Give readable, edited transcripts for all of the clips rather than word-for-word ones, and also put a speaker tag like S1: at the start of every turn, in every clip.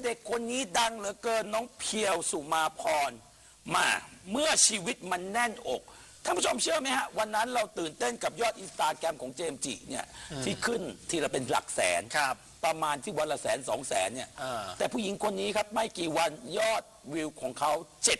S1: ด็กคนนี้ดังเหลือเกินน้องเพียวสุมาพรมาเมื่อชีวิตมันแน่นอกท่านผู้ชมเชื่อไหมฮะวันนั้นเราตื่นเต้นกับยอดอินสตาแกรมของเจมส์จิเนี่ยที่ขึ้นทีละเป็นหลักแสนประมาณที่วันละ100,000-200,000เนี่ยแต่ผู้หญิงคนนี้ครับไม่กี่วันยอดวิวของเขา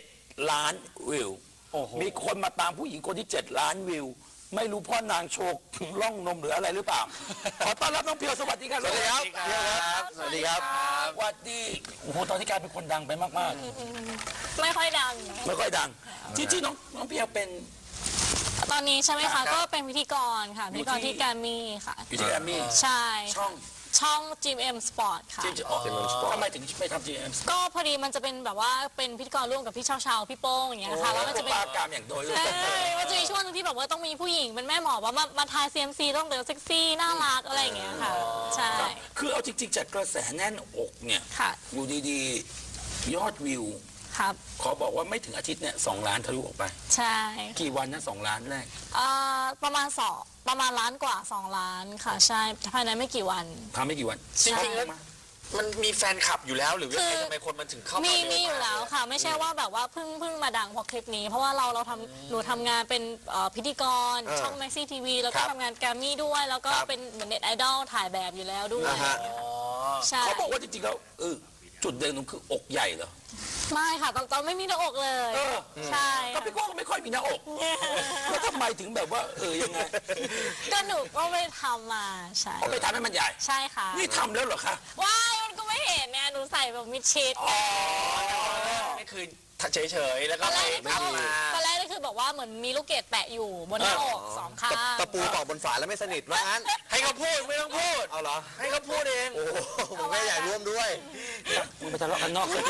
S1: 7 ล้านวิวมีคนมาตามผู้หญิงคนที่7 ล้านวิวไม่รู้พ่อนางโชกล่องนมหรืออะไรหรือเปล่าขอต้อนรับน้องเพียวสวัสดีครับสวัสดีครับ
S2: สวัสดีครับ
S1: สวัสดีโอ้โหตอนนี้กลายเป็นคนดังไปมาก
S3: ๆไม่ค่อยดัง
S1: ที่น้องเพียวเป็น
S3: ตอนนี้ใช่ไหมคะก็เป็นพิธีกรค่ะพิธีกรที่แกรมมี่ค่ะ
S1: อยู่ที่แกรมมี่
S3: ใช่ช่อง GMM Sport ค่ะ
S1: ทำไมถึงไม่ทำ GMM
S3: ก็พอดีมันจะเป็นแบบว่าเป็นพิธีกรร่วมกับพี่เช้าพี่โป้งอย่างเงี้ยค่ะแล้วมันจะเป็น
S1: ปากามอย่างโดย
S3: ใช่มันจะมีช่วงนึงที่แบบว่าต้องมีผู้หญิงเป็นแม่หมอว่ามาทาย CMC ต้องเดินเซ็กซี่น่ารักอะไรอย่างเงี้ยค่ะใช่
S1: คือเอาจริงๆจากกระแสแน่นอกเนี่ยอยู่ดีๆยอดวิวขอบอกว่าไม่ถึงอาทิตย์เนี่ย2 ล้านทะลุออกไป
S3: ใช่
S1: กี่วันนะ2 ล้านแรก
S3: ประมาณล้านกว่า2 ล้านค่ะใช่ภายในไม่กี่วัน
S1: ทำไม่กี่วัน
S2: จริงๆแล้วมันมีแฟนคลับอยู่แล้วหรือว่าทำไมคนมันถึงเข้ามา
S3: มีอยู่แล้วค่ะไม่ใช่ว่าแบบว่าเพิ่งมาดังเพราะคลิปนี้เพราะว่าหนูทำงานเป็นพิธีกรช่อง Maxi TV แล้วก็ทำงานแกรมมี่ด้วยแล้วก็เป็นเหมือนเน็ตไอดอลถ่ายแบบอยู่แล้วด้วย
S1: เขาบอกว่าจริงๆแล้วจุดเด่นของคืออกใหญ่เหรอ
S3: ไม่ค่ะตอนไม่มีหน้าอกเลยใช่
S1: ก็พี่โก้ก็ไม่ค่อยมีหน้าอกแล้วทำไมถึงแบบว่ายังไง
S3: ก็หนูก็ไปทำมาใช่
S1: ไปทำให้มันใหญ่
S3: ใช่ค่ะ
S1: นี่ทำแล้วเหรอคะ
S3: ว้ายมันก็ไม่เห็นเนี่ยหนูใส่แบบมิดชิด
S2: นี่คือเฉยๆแล้วก็
S3: ตอนแรกนี่คือแบบว่าเหมือนมีลูกเกดแปะอยู่บนหน้าอก2 ข้าง
S2: ตะปูตอกบนฝาแล้วไม่สนิทว่างั้นให้เขาพูดไม่ต้องพูดเอาเหรอให้เขาพูดเองโอ้ผมไม่อยากร่วมด้วย
S1: มึงไปทะเลาะกันนอกเลย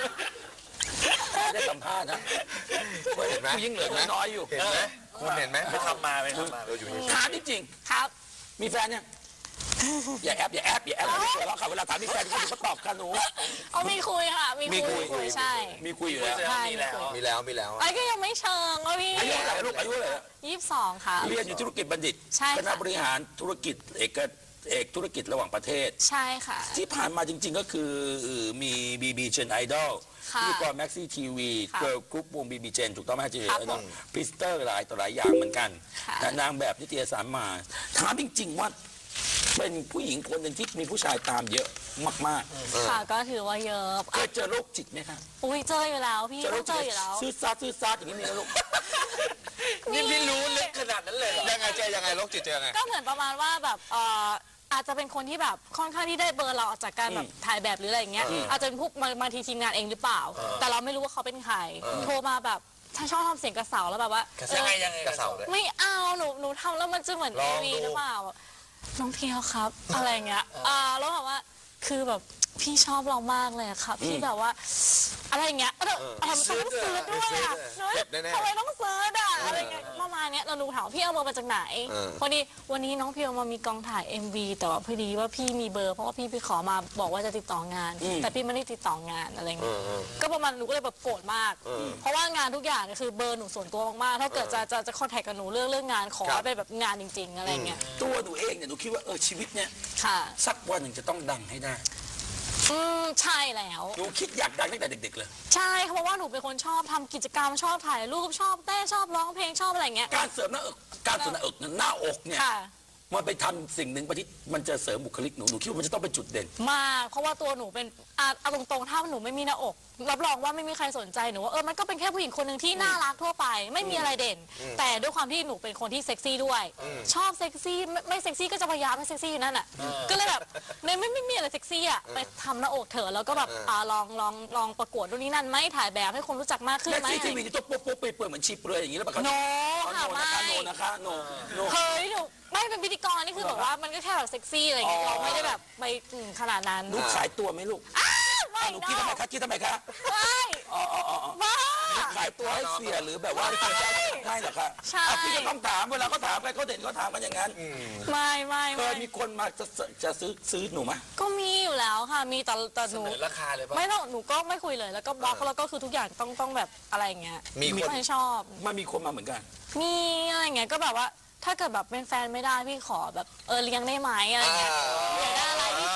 S1: ได้สัมภาษณ์นะ
S2: เห็นไหม
S1: ยิ่งเหลือน้อยอยู่
S2: เห็นไหมคุณเห็นไหมไม่ทำมา
S1: เราอยู่ถามจริง
S3: ครับ
S1: มีแฟนเนี่ยอย่าแอบไม่เจอแล้วค่ะเวลาถามมีแฟนเขาตอบค่ะหนู
S3: มีคุยค่ะมีคุยใช่
S1: มีคุยอยู่แล้ว
S2: มีแล้ว
S3: ไอ้ก็ยังไม่เชิงว่าพี่
S1: อายุเท่าไหร่ลูกอายุเท่าไหร่
S3: 22ค่ะ
S1: เรียนอยู่ธุรกิจบัณฑิตคณะบริหารธุรกิจเอกธุรกิจระหว่างประเทศ
S3: ใช่ค่ะ
S1: ที่ผ่านมาจริงๆก็คือมีBB Gen Idol ที่ก่อน Maxi TV เกิร์ลกรุ๊ปวง BB Gen ถูกต้องไหมจีเนาะพิสเตอร์หลายต่อหลายอย่างเหมือนกันนางแบบนิตยสารมาถามจริงๆว่าเป็นผู้หญิงคนหนึ่งที่มีผู้ชายตามเยอะมาก
S3: ๆค่ะก็ถือว่าเยอะ
S1: เคยเจอโรคจิตไหมคะ
S3: อุ้ยเจออยู่แล้วพี่ต้องเจออยู่แล้ว
S1: ซื้อซาอย่างนี้มีนะลูก
S2: นี่พี่รู้ลึกขนาดนั้นเลยยังไงเจอยังไงโรคจิตเจอยังไง
S3: ก็เหมือนประมาณว่าแบบอาจจะเป็นคนที่แบบค่อนข้างที่ได้เบอร์เราออกจากการแบบถ่ายแบบหรืออะไรอย่างเงี้ยอาจจะเป็นพวกมาทีมงานเองหรือเปล่าแต่เราไม่รู้ว่าเขาเป็นใครโทรมาแบบถ้าชอบทำเสียงกระเสาแล้วแบบว่า
S2: ยังไงกระเสาเลย
S3: ไม่เอาหนูทำแล้วมันจะเหมือนทีวีหรือเปล่าน้องเพียวครับอะไรเงี้ยแล้วแบบว่าคือแบบพี่ชอบเรามากเลยครับพี่แบบว่าอะไรเงี้ยทำไมต้องซื้อด้วยอ่ะทำไมต้องซื้ออ่ะอะไรเงี้ยประมาณเนี้ยเราดูถามพี่เอาเบอร์มาจากไหนพอดีวันนี้น้องเพียวมามีกองถ่าย MV แต่ว่าพอดีว่าพี่มีเบอร์เพราะว่าพี่ไปขอมาบอกว่าจะติดต่องานแต่พี่ไม่ได้ติดต่องานอะไรเงี้ยก็ประมาณหนูก็เลยแบบโกรธมากเพราะว่างานทุกอย่างคือเบอร์หนูส่วนตัวมากๆถ้าเกิดจะคอนแทคกับหนูเรื่องงานขอเป็นแบบงานจริงๆอะไรเงี้ย
S1: ตัวหนูเองเนี่ยหนูคิดว่าชีวิตเนี่ยสักวันหนึ่งจะต้องดังให้ได้
S3: ใช่แล้ว
S1: หนูคิดอยากดังตั้งแต่เด็กๆเลย
S3: ใช่เพราะว่าหนูเป็นคนชอบทำกิจกรรมชอบถ่ายรูปชอบเต้นชอบร้องเพลงชอบอะไรเงี้ย
S1: การเสริมหน้าอกหน้าอกเนี่ยมันไปทำสิ่งหนึ่งไปที่มันจะเสริมบุคลิกหนูคิดว่ามันจะต้องเป็นจุดเด่น
S3: มากเพราะว่าตัวหนูเป็นตรงๆถ้าหนูไม่มีหน้าอกรับรองว่าไม่มีใครสนใจหนูว่ามันก็เป็นแค่ผู้หญิงคนหนึ่งที่น่ารักทั่วไปไม่มีอะไรเด่นแต่ด้วยความที่หนูเป็นคนที่เซ็กซี่ด้วยชอบเซ็กซี่ไม่เซ็กซี่ก็จะพยายามให้เซ็กซี่อยู่นั่นอ่ะก็เลยแบบไม่มีอะไรเซ็กซี่อ่ะไปทำหน้าอกเถอะแล้วก็แบบลองประกวดตรงนี้นั่นไหมถ่ายแบบให้คนรู้จักมากขึ้นไหม
S1: ทีวีจะต้องโป๊ะเปื่อยเหมือนชีเปลือยอย่างนี้แล้วแบบ
S3: โนค่ะไม่เฮ้ยหนูไม่เป็นพิธีกรนี่คือแบบว่ามันก็แค่แบบเซ็กซี่อะไรอย่างเงี้ยเราไม่ได้แบบไปขนาดนั้น
S1: หนูขายตัวไหมลูกหนูคิดทำไมคะไม่ขายตัวให้เสียหรือแบบว่าไม่หรอคะ
S3: ใช่
S1: พี่ก็ต้องถามเวลาเขาถามกันเขาเด่นเขาถามกันอย่างนั้น
S3: ไม่
S1: เคยมีคนมาจะซื้อหนูไหม
S3: ก็มีอยู่แล้วค่ะมีแต่หนู
S2: ราคาเลยป่ะ
S3: ไม่ต้องหนูก็ไม่คุยเลยแล้วก็บล็อกแล้วก็คือทุกอย่างต้องแบบอะไรเงี้ย
S2: มีคน
S3: ไม่ชอบ
S1: มันมีคนมาเหมือนกัน
S3: มีอะไรเงี้ยก็แบบว่าถ้าเกิดแบบเป็นแฟนไม่ได้พี่ขอแบบเลี้ยงได้ไหมอะไรเงี้ยอยากได้อะไรพี่ซื้อให้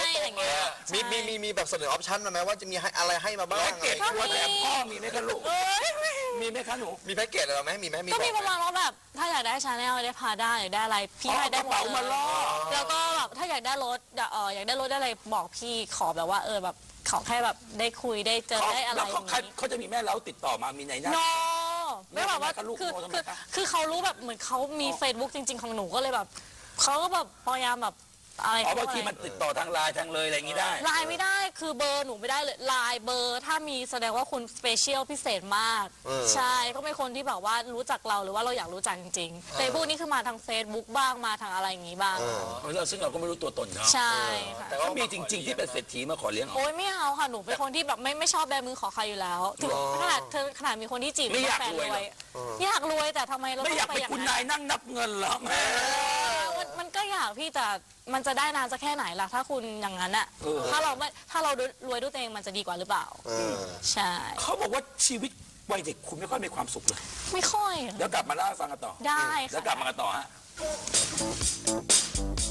S3: อะไรเงี้ย
S2: มีแบบเสนอออปชั่นมาไหมว่าจะมีอะไรให้มาบ้าง
S1: แพ็กเกจตัวแถมพ่อมีไหมคะลูก มีไหมคะหนู
S2: มีแพ็กเกจอะไรไหมมีไหมมี
S3: ก็มีประมาณว่าแบบถ้าอยากได้ชาแนลได้พาได้อยากได้อะไรพี่ให้ได้หมด
S1: กระเป๋ามาล่อ
S3: แล้วก็แบบถ้าอยากได้รถอยากได้รถได้อะไรบอกพี่ขอแบบว่าแบบขอแค่แบบได้คุยได้เจอได้อะไร
S1: แล้วเขาจะมีแม่เล้าติดต่อมามีไหนนะ
S3: โนไม่แบบว่า
S1: แม่กับลูก
S3: คือเขารู้แบบเหมือนเขามี Facebook จริง ๆของหนูก็เลยแบบเขาก็แบบพยายามแบบอะไร
S1: บางทีมันติดต่อทางไลน์ทางเลยอะไรอย่างนี้ได้
S3: ไลน์ไม่ได้คือเบอร์หนูไม่ได้เลยไลน์เบอร์ถ้ามีแสดงว่าคุณสเปเชียลพิเศษมากใช่ก็เป็นคนที่แบบว่ารู้จักเราหรือว่าเราอยากรู้จักจริงๆเฟซบุ๊กนี่คือมาทาง Facebook บ้างมาทางอะไรอย่างนี้บ้าง
S1: ซึ่งเราก็ไม่รู้ตัวตนเขา
S3: ใช่ค่ะ
S1: แต่ก็มีจริง ๆ ที่เป็นเศรษฐีมาขอเลี้ยงเอา
S3: โอ้ยไม่เอาค่ะหนูเป็นคนที่แบบไม่ชอบแบมือขอใครอยู่แล้วถึงขนาดมีคนที่จีบ
S1: ไม่อยาก
S3: แฟน
S1: รวยหรอ
S3: อยากรวยแต่ทำไมเรา
S1: ไม่
S3: ต้อง
S1: อยาก
S3: ไป
S1: เป็น
S3: อย่าง
S1: คุณ
S3: นั้น
S1: นายนั่งนับเงินเหรอแม่
S3: มันก็อยากพี่แต่มันจะได้นานสักแค่ไหนล่ะถ้าคุณอย่างนั้นอะถ้าเรารวยด้วยตัวเองมันจะดีกว่าหรือเปล่าใช่
S1: เขาบอกว่าชีวิตวัยเด็กคุณไม่ค่อยมีความสุขเลย
S3: ไม่ค่อย
S1: แล้วกลับมาเล่าให้ฟังกันต่อ
S3: ได้
S1: แล้ว
S3: ค่ะ
S1: กลับมากันต่อฮะ